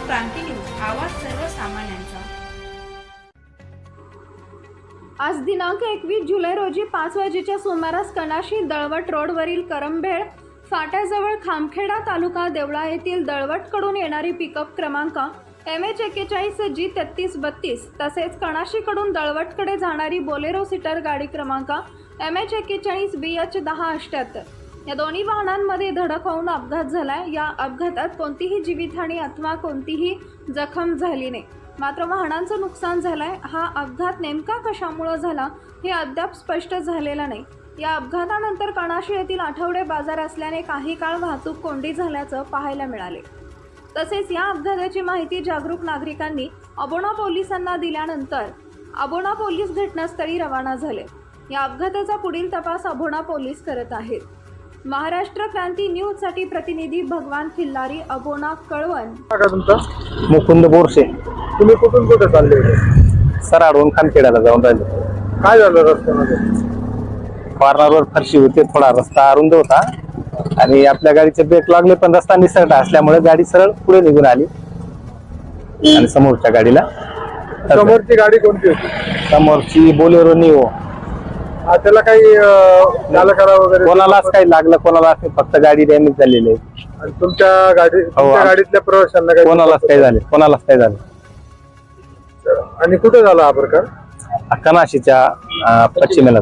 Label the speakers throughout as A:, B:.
A: क्रांती news, आवाज सर्वसामान्यांचा।
B: आज दिनांक 21 जुलै रोजी 5 वाजेच्या सुमारास कणाशी दळवट रोडवरील करंभेळ फाट्याजवळ खामखेडा तालुका देवळा येथील दळवटकडून येणारी पिकअप क्रमांक MH41G3332 तसेच कणाशीकडून दळवटकडे जाणारी बोलेरो सीटर गाडी क्रमांक MH41BH1078 या दोन्ही वाहनांमध्ये धडक होऊन अपघात झालाय। या अपघातात कोणतीही जीवितहानी अथवा कोणतीही जखम झाली नाही, मात्र वाहनांचं नुकसान झालंय। हा अपघात नेमका कशामुळे झाला हे अद्याप स्पष्ट झालेलं नाही। या अपघातानंतर कणाशी येथील आठवडे बाजार असल्याने काही काळ वाहतूक कोंडी झाल्याचं पाहायला मिळाले। तसेच या अपघाताची माहिती जागरूक नागरिकांनी अबोणा पोलिसांना दिल्यानंतर अबोणा पोलीस घटनास्थळी रवाना झाले। या अपघाताचा पुढील तपास अबोणा पोलीस करत आहेत। महाराष्ट्र क्रांती न्यूज साठी प्रतिनिधी भगवान खिल्लारी, अबोणा, कळवण।
C: का तुमचं?
D: मुकुंद बोरसे।
C: तुम्ही कुठून कुठे चालले होते?
D: सराडून खामखेड्याला जाऊन राहिलो।
C: काय झालं रस्त्यामध्ये?
D: कॉर्नरवर फरशी होती, थोडा रस्ता अरुंद होता आणि आपल्या गाडीचे ब्रेक लागले, पण रस्ता निसरडा असल्यामुळे गाडी सरळ पुढे निघून आली आणि समोरच्या गाडीला
C: समोरची गाडी कोणती होती?
D: समोरची बोलेरो निओ।
C: त्याला काही चालकाला वगैरे
D: कोणालाच काही लागलं, कोणालाच नाही, फक्त गाडी डॅमेज झालेली आहे।
C: आणि तुमच्या गाडीतल्या प्रवाशांना काही
D: कोणालाच काही झाले, कोणालाच काही झालं।
C: आणि कुठे झाला हा प्रकार?
D: कणाशीच्या पश्चिमेला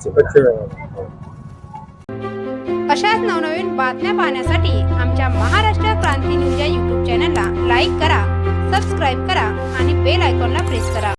A: अशाच नवनवीन बातम्या पाहण्यासाठी आमच्या महाराष्ट्र क्रांती न्यूज या YouTube चॅनलला लाईक करा, सबस्क्राईब करा आणि बेल आयकॉनला प्रेस करा।